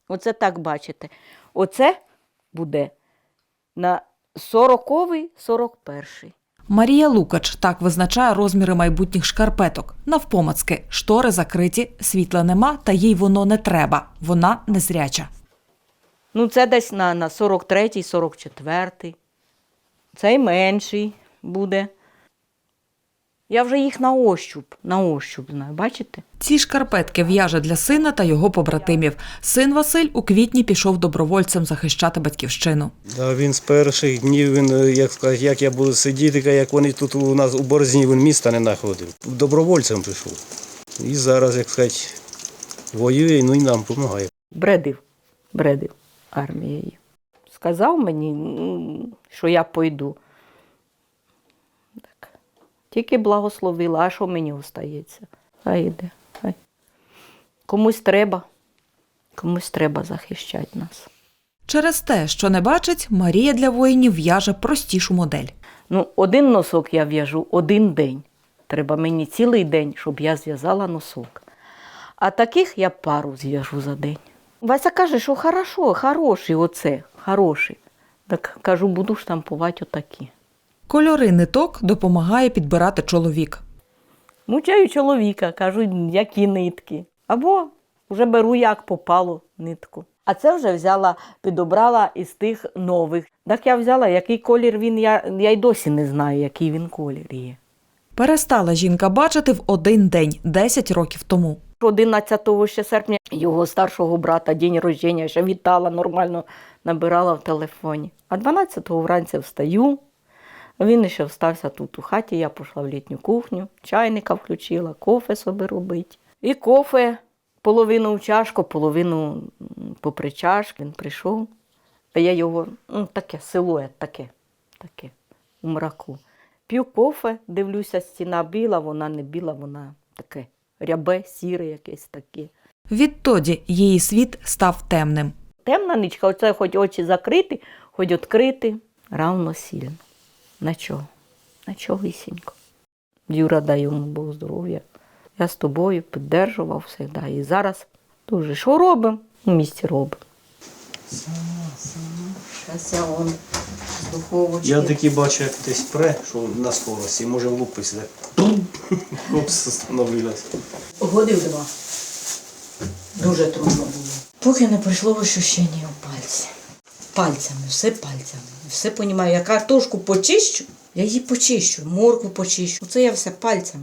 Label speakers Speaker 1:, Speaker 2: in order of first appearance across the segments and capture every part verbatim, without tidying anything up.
Speaker 1: Оце так бачите. Оце буде на сороковий сорок перший.
Speaker 2: Марія Лукач так визначає розміри майбутніх шкарпеток. Навпомацки, штори закриті, світла нема, та їй воно не треба. Вона незряча.
Speaker 1: Ну, це десь на, на сорок третій сорок четвертий. Цей менший буде. Я вже їх на ощуп, на ощуп знаю, бачите?
Speaker 2: Ці шкарпетки в'яже для сина та його побратимів. Син Василь у квітні пішов добровольцем захищати батьківщину.
Speaker 3: Да, він з перших днів, він, як сказати, як я буду сидіти, як вони тут у нас у Борзні, він міста не знаходив. Добровольцем пішов. І зараз, як сказати, воює, ну і нам допомагає.
Speaker 1: Бредив, бредив армією. Сказав мені, що я пойду. Так. Тільки благословила, а що мені остається? Хай йде, хай. Комусь треба, комусь треба захищати нас.
Speaker 2: Через те, що не бачить, Марія для воїнів в'яже простішу модель.
Speaker 1: Ну, один носок я в'яжу один день. Треба мені цілий день, щоб я зв'язала носок. А таких я пару зв'яжу за день. Вася каже, що хорошо, хороший оце, хороший. Так кажу, буду штампувати отакі.
Speaker 2: Кольори ниток допомагає підбирати чоловік.
Speaker 1: Мучаю чоловіка, кажу, які нитки. Або вже беру, як попало, нитку. А це вже взяла, підобрала із тих нових. Так я взяла, який колір він, я, я й досі не знаю, який він колір є.
Speaker 2: Перестала жінка бачити в один день, десять років тому.
Speaker 1: одинадцятого ще серпня його старшого брата, день рождення, ще вітала, нормально набирала в телефоні. А дванадцятого вранці встаю, він ще встався тут у хаті, я пішла в літню кухню, чайника включила, кофе собі робить. І кофе половину в чашку, половину попри чашку. Він прийшов, а я його, ну таке, силует таке, таке, у мраку. П'ю кофе, дивлюся, стіна біла, вона не біла, вона таке. Рябе, сіре якесь таке.
Speaker 2: Відтоді її світ став темним.
Speaker 1: Темна нічка, оце хоч очі закриті, хоч відкриті, равно сильно. На чого? На чогісінько. Юра, дай йому Бог здоров'я. Я з тобою підтримував завжди. І зараз дуже. Що робимо? У місті робимо. Сама, сама. Зараз я вон з духовочки.
Speaker 3: Я таки бачу, як десь пре, що на скорості, може влупитися. Опс, остановилась.
Speaker 1: Годив два. Дуже трудно було. Поки не прийшло ощущення у пальці. Пальцями, все пальцями. Все розумію. Я картошку почищу, я її почищу, моркву почищу. Оце я все пальцями.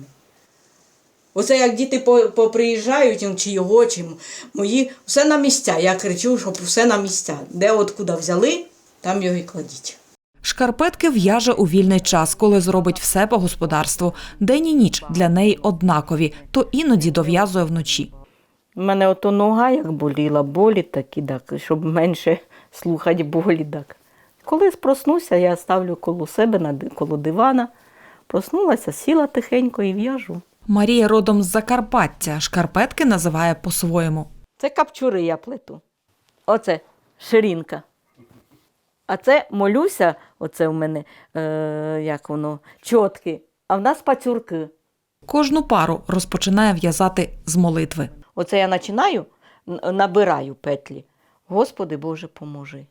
Speaker 1: Оце як діти поприїжджають, чи його, чи мої, все на місця. Я кричу, щоб все на місця. Де от куди взяли, там його і кладіть.
Speaker 2: Шкарпетки в'яже у вільний час, коли зробить все по господарству. День і ніч для неї однакові, то іноді дов'язує вночі.
Speaker 1: У мене ото нога як боліла, болі такі, так, щоб менше слухати болі. Так. Коли проснуся, я ставлю коло себе, коло дивана. Проснулася, сіла тихенько і в'яжу.
Speaker 2: Марія родом з Закарпаття, шкарпетки називає по-своєму.
Speaker 1: Це капчури я плету. Оце ширинка. А це молюся, оце у мене, е, як воно, чотки, а в нас пацюрки.
Speaker 2: Кожну пару розпочинає в'язати з молитви.
Speaker 1: Оце я починаю, набираю петлі. Господи Боже, поможи.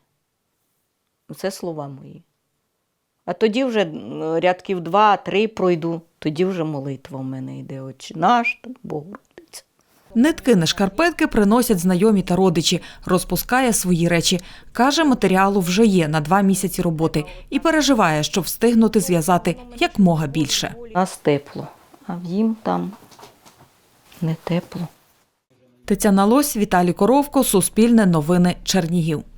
Speaker 1: Це слова мої. А тоді вже рядків два-три пройду, тоді вже молитва в мене йде. Отче наш, Богородиця.
Speaker 2: Нитки на шкарпетки приносять знайомі та родичі, розпускає свої речі. Каже, матеріалу вже є на два місяці роботи і переживає, щоб встигнути зв'язати якмога більше.
Speaker 1: У нас тепло, а в їм там не тепло.
Speaker 2: Тетяна Лось, Віталій Коровко, Суспільне новини, Чернігів.